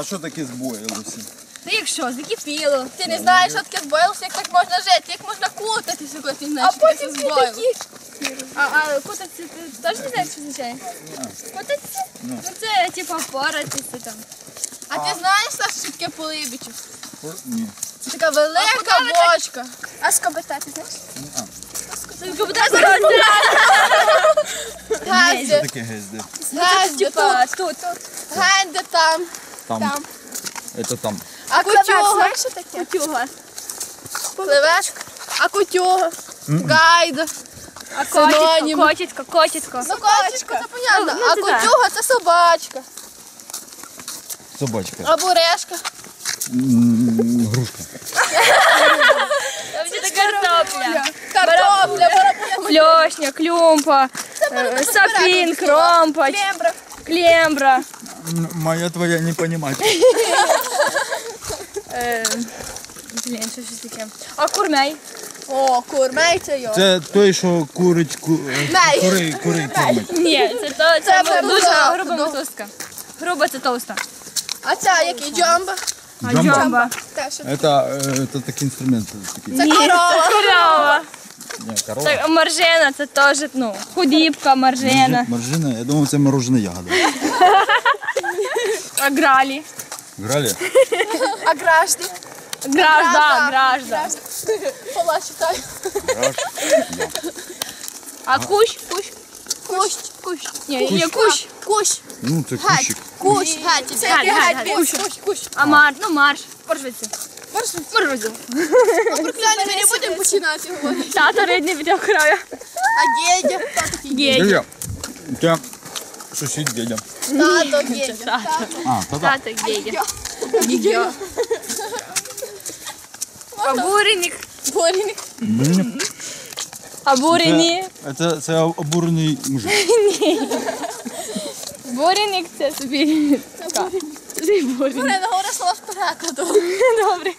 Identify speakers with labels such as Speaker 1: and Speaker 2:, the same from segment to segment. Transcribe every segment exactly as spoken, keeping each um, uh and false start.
Speaker 1: а що таке збоїлося?
Speaker 2: Та якщо, закипіло. Ти не знаєш, що таке збоїлося, як так можна жити, як можна кутатися, коли ти знаєш, що таке збоїлося. А, а кутатися, ти теж не знаєш, що означає? Кутатися? Ну це, типу, поратися там. А ти знаєш, що таке полибічу?
Speaker 1: Ні.
Speaker 2: Це така велика бочка. А скоби-та, ти знаєш?
Speaker 1: Ні.
Speaker 2: Скоби-та зараз.
Speaker 1: Що таке гезде?
Speaker 2: Генде тут. Генде там.
Speaker 1: Там. Це там.
Speaker 2: А кутюга? Знаєш, що таке? Кутюга. Пливешка. А кутюга? Гайда.
Speaker 3: А котітко, котітко, котітко.
Speaker 2: Ну, котичко, це понятно. А кутюга – це собачка.
Speaker 1: Собачка.
Speaker 2: А бурешка?
Speaker 1: Грушка.
Speaker 3: Там це картопля.
Speaker 2: Картопля.
Speaker 3: Фльошня, клюмпа, е, сапін, кромпач,
Speaker 2: Клембра.
Speaker 3: клембра.
Speaker 1: Моя твоя не понимать.
Speaker 3: Е, Блін, що щось таке. А курмей?
Speaker 2: О, курмей це йо.
Speaker 1: Це той, що курить, ку...
Speaker 2: Мей.
Speaker 1: кури, кури кормить.
Speaker 3: Ні, це, то,
Speaker 2: Це
Speaker 3: це дуже
Speaker 2: дуже
Speaker 3: груба
Speaker 2: ну.
Speaker 3: мотузка. Груба це товста.
Speaker 2: А ця який? Джамба?
Speaker 3: А
Speaker 1: Джамба?
Speaker 3: джамба?
Speaker 2: Те, що?
Speaker 1: Это, э, это такий інструмент. Такий.
Speaker 2: Це
Speaker 3: Ні,
Speaker 2: корова.
Speaker 3: це корова.
Speaker 1: Ні, корова.
Speaker 3: Так, маржена, це теж, ну, худібка, маржена.
Speaker 1: Маржина, я думав, це морожена ягода.
Speaker 3: А гралі?
Speaker 1: Грали?
Speaker 2: А гражди?
Speaker 3: Гражда, гражда.
Speaker 2: Пола читай.
Speaker 1: Граш.
Speaker 3: А кущ? Кущ?
Speaker 2: Кущ.
Speaker 3: Кущ. Ні, є кущ.
Speaker 2: Кущ.
Speaker 1: Ну, це
Speaker 2: Геть.
Speaker 1: кущик.
Speaker 2: Кущ. Геть. Це
Speaker 3: Геть,
Speaker 2: який
Speaker 3: геть,
Speaker 2: геть.
Speaker 3: геть.
Speaker 2: Кущ. Кущ. Кущ.
Speaker 3: А мар, ну марш. Поржвиці. Поржвиці.
Speaker 2: Ну, прикляні, ми не будемо починати говорити.
Speaker 3: Тато рідний від краю.
Speaker 2: А дідя? Хто такий?
Speaker 3: Гедя.
Speaker 1: Дядя. Це сусід дядя.
Speaker 2: Тато, дідя. Тато.
Speaker 1: А, то так.
Speaker 3: Тато Гедя.
Speaker 2: Дідя.
Speaker 3: А буреник?
Speaker 2: Бурінник.
Speaker 1: Блін.
Speaker 3: А бурені?
Speaker 1: Це, це обурений мужик.
Speaker 3: Буреник це собі. Це буреник.
Speaker 2: Марина, говори слова з перекладу.
Speaker 3: Добре.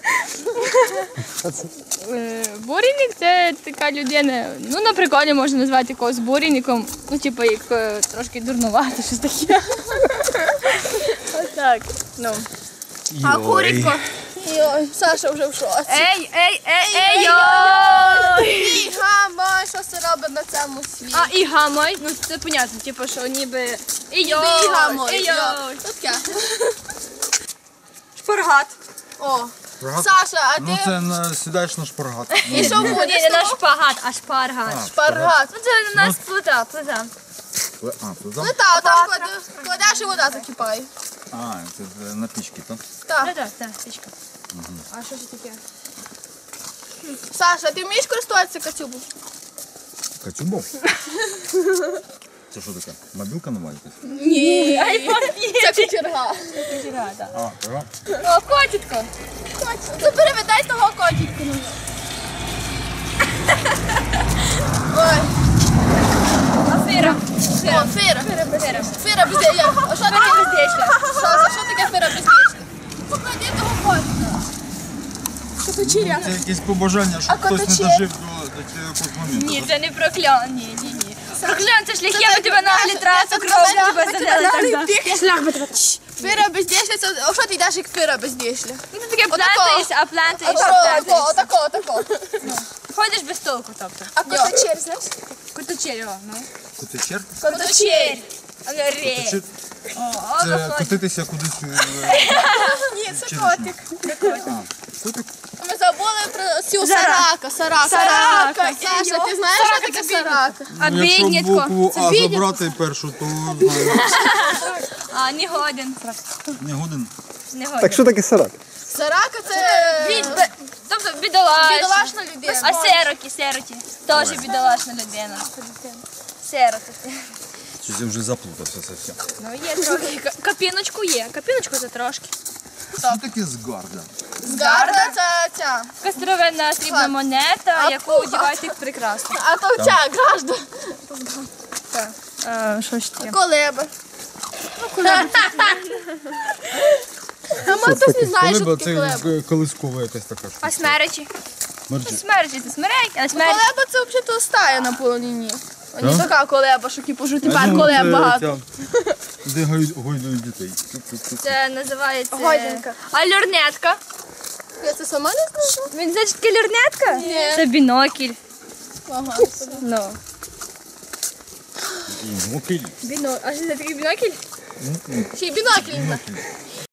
Speaker 3: Е, Буренник це така людина, ну на приколі можна назвати якогось буренником, ну типу як е, трошки дурнувато, щось таке. Ось так. Ну.
Speaker 2: А курітко? Йой, Саша вже в шоці.
Speaker 3: Ей, ей, ей, ей, йой!
Speaker 2: І гамай, що це робить на цьому світі?
Speaker 3: А і гамай, ну це понятно, типу, що ніби і йой,
Speaker 2: І гамай.
Speaker 3: і йой.
Speaker 2: Тут таке.
Speaker 3: Шпаргат.
Speaker 2: О,
Speaker 1: Шпаргат?
Speaker 2: Саша, а
Speaker 1: Ну,
Speaker 2: ти
Speaker 1: це на, сідаєш на шпаргат.
Speaker 2: і що
Speaker 3: Ні,
Speaker 2: будеш?
Speaker 3: не на шпагат, а шпаргат.
Speaker 2: Шпаргат.
Speaker 3: Ну це у нас плита, плита.
Speaker 1: А, тут там?
Speaker 2: Ну так, там кладеш- кладеш і вода закипає.
Speaker 1: А, це на пічки, так?
Speaker 2: Так.
Speaker 3: Так, так, так, стічка. А що ж таке?
Speaker 2: Саша, ти вмієш користуватися кацюбом?
Speaker 1: Кацюбов? Це що таке? Мобілка нова якась?
Speaker 2: Ні. Це кучерга.
Speaker 1: А, ага.
Speaker 3: О, котітко.
Speaker 2: Ну переведай того котика. Ой.
Speaker 3: Афера.
Speaker 2: О, фира.
Speaker 3: Афера.
Speaker 2: Фира бездєчна. А що таке
Speaker 3: бездєчна?
Speaker 2: Саша, що таке фира бездєчна? Поклади того котика. Коточіря.
Speaker 1: Це якесь побажання, щоб
Speaker 2: А
Speaker 1: хтось не
Speaker 2: коточі?
Speaker 1: дожив до, до цього моменту.
Speaker 3: Ні,
Speaker 1: так?
Speaker 3: це не прокльон, ні, ні, ні. Прокльон, це шляхи, ми тебе наглі трасу, кров тебе задали так.
Speaker 2: Шлях би тебе. Фира бездєчна, це а що ти йдеш як фира бездєчна?
Speaker 3: Ну ти таке плентаєшся, а плентаєш, а
Speaker 2: Отако,
Speaker 3: плентаєш.
Speaker 2: отако, отако.
Speaker 3: Ходиш без толку, тобто.
Speaker 2: А коточір, знаєш?
Speaker 3: Коточері, о, ну.
Speaker 1: Котичер?
Speaker 2: Коточір.
Speaker 3: А не ре.
Speaker 1: Котичер?
Speaker 3: О,
Speaker 1: Це
Speaker 3: виходить.
Speaker 1: котитися кудись. е,
Speaker 2: Ні, це
Speaker 1: Чи-
Speaker 2: котик.
Speaker 1: А, котик?
Speaker 2: Ми забули про цю
Speaker 3: Зара.
Speaker 2: сарака, сарака.
Speaker 3: Сарака.
Speaker 2: Саша, ти знаєш, що таке сарака?
Speaker 3: А
Speaker 1: Ну, якщо
Speaker 3: біднятко.
Speaker 1: букву А
Speaker 2: біднятко.
Speaker 1: забрати першу, то знаю.
Speaker 3: А, не годен.
Speaker 1: Не годин.
Speaker 3: Не годен.
Speaker 4: Так що таке сарак?
Speaker 2: Сарака це
Speaker 3: Бід, бе- тобто бідолашна.
Speaker 2: бідолашна людина.
Speaker 3: А сироті, сироті. Теж бідолашна людина. Сироти.
Speaker 1: Щось я вже заплутався совсем.
Speaker 3: Ну є трохи. Ка- Капіночку є. Капіночку це трошки.
Speaker 1: Що таке згарда?
Speaker 2: Згарда це ця.
Speaker 3: Кастровенна срібна монета,
Speaker 2: А
Speaker 3: яку
Speaker 2: пуха.
Speaker 3: одягають як прикрасно.
Speaker 2: А то ця гражда.
Speaker 3: Що ж таке?
Speaker 2: Колеба. А ми хтось не знає, що таке колеба.
Speaker 1: Це колискова якась така штука.
Speaker 3: А смеречі?
Speaker 1: Мерджі.
Speaker 3: Смеречі це смерек, а смеречі.
Speaker 2: Колеба це взагалі стая на полонині. А не така колеба, що типу, що тепер
Speaker 1: Ну,
Speaker 2: колеб
Speaker 1: це
Speaker 2: багато.
Speaker 1: ця, де гойд- гойдують дітей. Тук-тук-тук.
Speaker 3: Це називається...
Speaker 2: Гойдинка.
Speaker 3: А льорнетка?
Speaker 2: Я це сама не знаю.
Speaker 3: Він значить таке льорнетка?
Speaker 2: Ні.
Speaker 3: Це бінокль.
Speaker 2: Ага.
Speaker 3: Ну.
Speaker 1: І мокрі.
Speaker 3: Біно... А що це такий бінокль?
Speaker 2: Ще й бінокль.